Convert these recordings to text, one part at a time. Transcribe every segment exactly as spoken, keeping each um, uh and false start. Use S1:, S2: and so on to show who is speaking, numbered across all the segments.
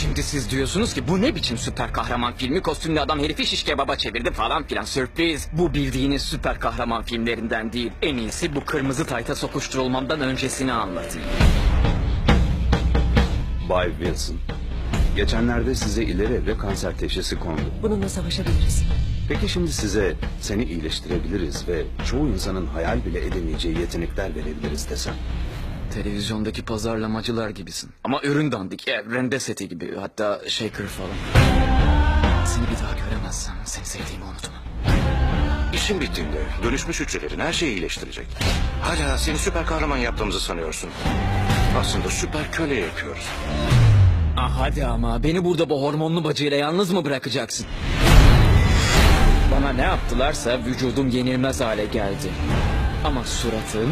S1: Şimdi siz diyorsunuz ki bu ne biçim süper kahraman filmi, kostümlü adam herifi şiş kebaba çevirdi falan filan. Sürpriz. Bu bildiğiniz süper kahraman filmlerinden değil. En iyisi bu kırmızı tayta sokuşturulmamdan öncesini anlatayım.
S2: Bay Wilson, geçenlerde size ileri evre kanser teşhisi kondu.
S3: Bununla savaşabiliriz.
S2: Peki şimdi size seni iyileştirebiliriz ve çoğu insanın hayal bile edemeyeceği yetenekler verebiliriz desem?
S1: Televizyondaki pazarlamacılar gibisin. Ama ürün dandik, e, rende seti gibi, hatta shaker falan. Seni bir daha göremezsem seni sevdiğimi unutma.
S4: İşin bittiğinde dönüşmüş hücrelerin her şeyi iyileştirecek. Hala seni süper kahraman yaptığımızı sanıyorsun. Aslında süper köle yapıyoruz.
S1: Ah hadi ama beni burada bu hormonlu bacıyla yalnız mı bırakacaksın? Bana ne yaptılarsa vücudum yenilmez hale geldi. Ama suratım...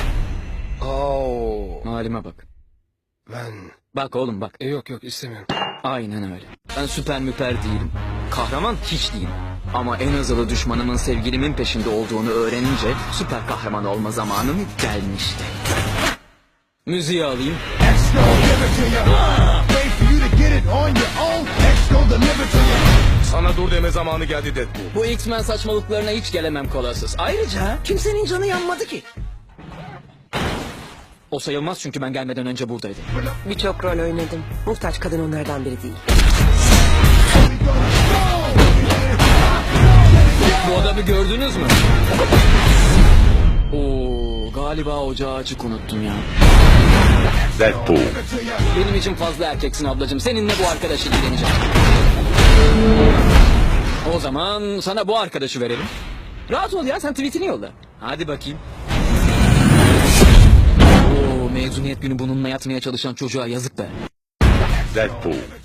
S5: Oo,
S1: Halime bak.
S5: ben...
S1: Bak oğlum bak.
S5: E, yok yok istemiyorum.
S1: Aynen öyle. Ben süper müper değilim. Kahraman hiç değilim. Ama en azılı düşmanımın sevgilimin peşinde olduğunu öğrenince süper kahraman olma zamanım gelmişti. Müziği alayım.
S6: Sana dur deme zamanı geldi Deadpool.
S1: Bu X-Men saçmalıklarına hiç gelemem kolasız. Ayrıca
S3: Kimsenin canı yanmadı ki.
S1: o sayılmaz çünkü ben gelmeden önce buradaydı.
S3: Birçok rol oynadım. Muhtaç kadın onlardan biri değil.
S1: Bu adamı gördünüz mü? Oo, galiba ocağı açık unuttum ya.
S2: Deadpool.
S1: Benim için fazla erkeksin ablacığım. Seninle bu arkadaşı ilgileneceğim. O zaman sana bu arkadaşı verelim. Rahat ol ya, sen tweetini yolla. Hadi bakayım. Oo, mezuniyet günü bununla yatmaya çalışan çocuğa yazık be.
S2: Deadpool.